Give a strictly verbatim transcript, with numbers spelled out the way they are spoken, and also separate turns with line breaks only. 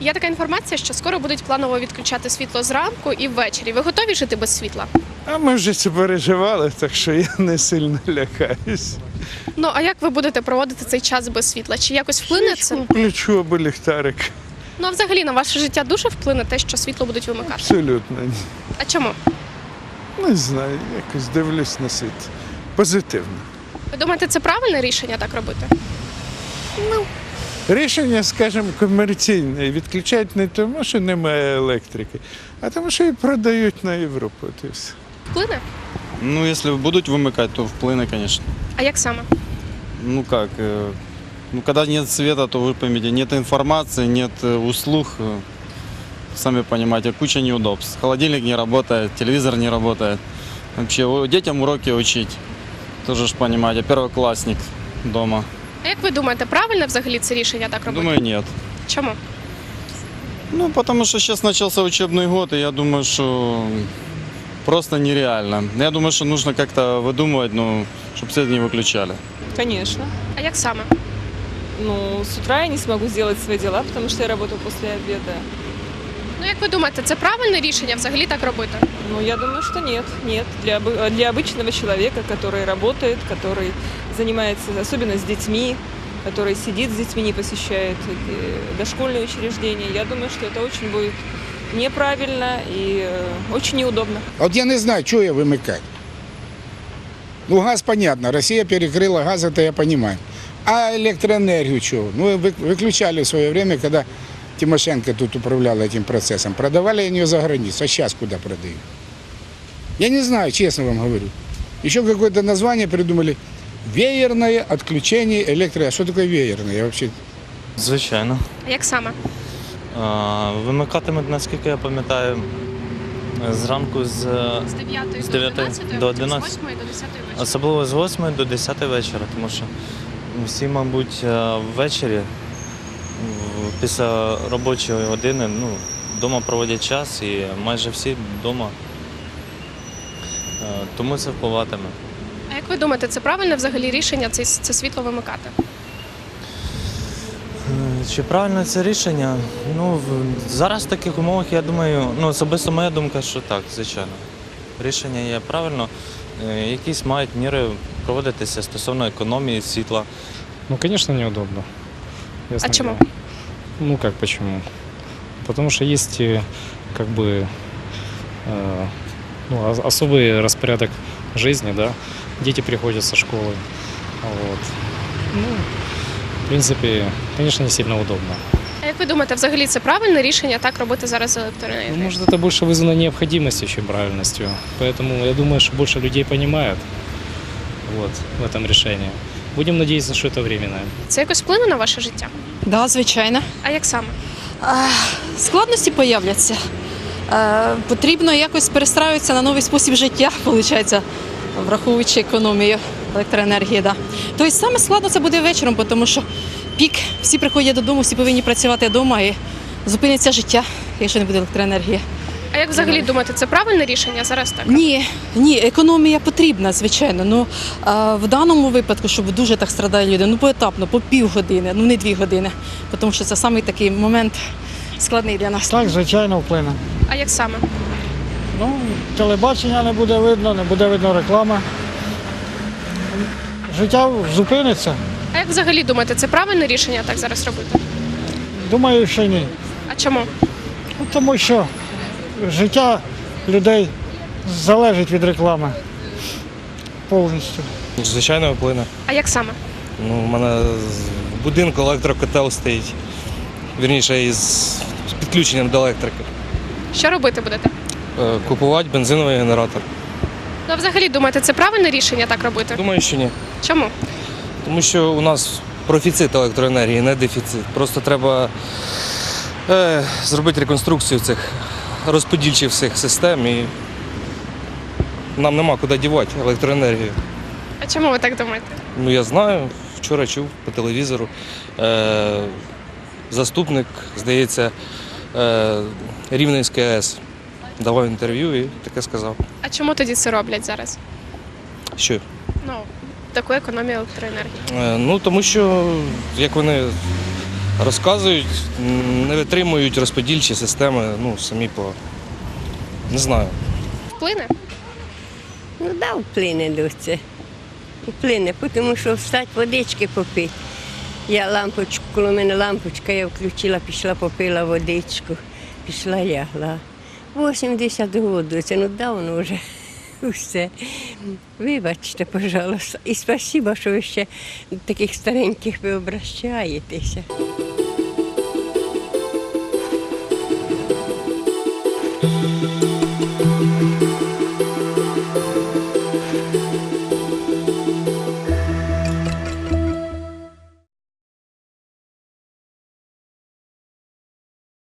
Є така інформація, що скоро будуть планово відключати світло зранку і ввечері. Ви готові жити без світла?
А ми вже це переживали, так що я не сильно лякаюсь.
Ну, а як ви будете проводити цей час без світла? Чи якось вплине це?
Включу або ліхтарик.
Ну, а взагалі на ваше життя дуже вплине те, що світло будуть вимикати?
Абсолютно ні.
А чому?
Не знаю, якось дивлюсь на світ. Позитивно.
Ви думаєте, це правильне рішення так робити?
Рішення, скажімо, комерційне. Відключають не тому, що немає електрики, а тому, що її продають на Європу. От і все.
Вплине?
Ну, если будут вымыкать, то вплыне, конечно.
А як саме?
Ну как, э, ну когда нет света, то вы поймите, нет информации, нет э, услуг, э, сами понимаете, куча неудобств. Холодильник не работает, телевизор не работает. Вообще, о, детям уроки учить, тоже ж понимаете, первоклассник дома.
А як ви думаєте, правильне взагалі це рішення так робити?
Думаю, нет.
Чому?
Ну, потому что сейчас начался учебный год, и я думаю, что просто нереально. Я думаю, что нужно как-то выдумывать, ну, чтобы свет не выключали.
Конечно.
А як саме?
Ну, с утра я не смогу сделать свои дела, потому что я работаю после обеда.
Ну, як ви думаєте, це правильне рішення взагалі так робити?
Ну, я думаю, что нет. Нет. Для, обы- для обычного человека, который работает, который занимается, особенно с детьми, который сидит с детьми, не посещает э, дошкольные учреждения, я думаю, что это очень будет неправильно и э, очень неудобно.
От я не знаю, чого я вимикати. Ну, газ, понятно, Росія перекрила газ, это я понимаю. А электроэнергию чего? Ну, вы- выключали в свое время, когда Тимошенко тут управляла этим процессом. Продавали они ее за границу, а сейчас куда продают? Я не знаю, честно вам говорю. Еще какое-то название придумали. Веерное отключение электро... А что такое веерное? Я вообще...
Звичайно.
А як саме?
А, Вимикатимуть, наскільки я пам'ятаю, зранку з
З дев'ятої
З
до
дев'ятої
одинадцятої,
до
а потім з
одинадцятої.
восьмої до десятої вечора.
особливо з восьмої до десятої вечора, тому що всі, мабуть, е, ввечері м, після робочої години ну, вдома проводять час і майже всі вдома. Е, Тому це впливатиме.
А як ви думаєте, це правильне взагалі рішення це, це світло вимикати?
Е, Чи правильно це рішення? Ну, в- зараз в таких умовах, я думаю, ну, особисто моя думка, що так, звичайно. Рішення є правильно. Е, Якісь мають міри проводитися стосовно економії світла.
Ну, конечно, неудобно. Ясно
А чему?
дело. Ну, как почему? Потому что есть, э, как бы, э, ну, ос- особый распорядок жизни, да. Дети приходят со школы. Вот. Ну, в принципе, конечно, не сильно удобно.
А як ви думаєте, взагалі це правильне рішення так робити зараз з
Ну,
електроенергією?
может, это больше вызвано необходимостью, чем правильностью. Поэтому я думаю, что больше людей понимают вот, в этом решении. Будем надеяться, что это временное.
Це якось вплине на ваше життя?
Да, звичайно.
А як саме?
А, Складності появляться. Е, Потрібно якось перестраюватися на новий спосіб життя, виходить, враховуючи економію електроенергії. Да. Тобто саме складно це буде вечором, тому що пік, всі приходять додому, всі повинні працювати вдома і зупиниться життя, якщо не буде електроенергії.
А як взагалі думаєте, це правильне рішення зараз так?
Ні, ні, економія потрібна, звичайно. Ну а в даному випадку, щоб дуже так страдали люди, ну поетапно, по півгодини, ну не дві години, тому що це саме такий момент складний для нас.
Так, звичайно, вплине.
А як саме?
Ну, телебачення не буде видно, не буде видно реклами. Життя зупиниться.
А як взагалі думаєте, це правильне рішення так зараз робити?
Думаю, що ні.
А чому?
Ну, тому що життя людей залежить від реклами повністю.
Звичайно, вплине.
А як саме?
Ну, у мене в будинку електрокотел стоїть. Вірніше, із з підключенням до електрики.
Що робити будете?
Е, Купувати бензиновий генератор.
Ну, а взагалі думаєте, це правильне рішення так робити?
Думаю, що ні.
Чому?
Тому що у нас профіцит електроенергії, не дефіцит. Просто треба е, зробити реконструкцію цих розподільчих всіх систем і нам нема куди дівати електроенергію.
А чому ви так думаєте?
Ну, я знаю, вчора чув по телевізору. Е, заступник, здається, е, Рівненської АЕС давав інтерв'ю і таке сказав.
А чому тоді це роблять зараз?
Що?
Ну, таку економію електроенергії.
Е, ну, тому що, як вони Розказують, м, не витримують розподільчі системи, ну, самі по. Не знаю.
Вплине?
Ну да, вплине до це. Вплине, тому що встать водички попити. Я лампочку, коли в мене лампочка, я включила, пішла, попила водичку, пішла, лягла. вісімдесят років, це ну давно вже все. Вибачте, пожалуйста. І спасибо, що ви ще таких стареньких ви обращаєтеся.
Thank you.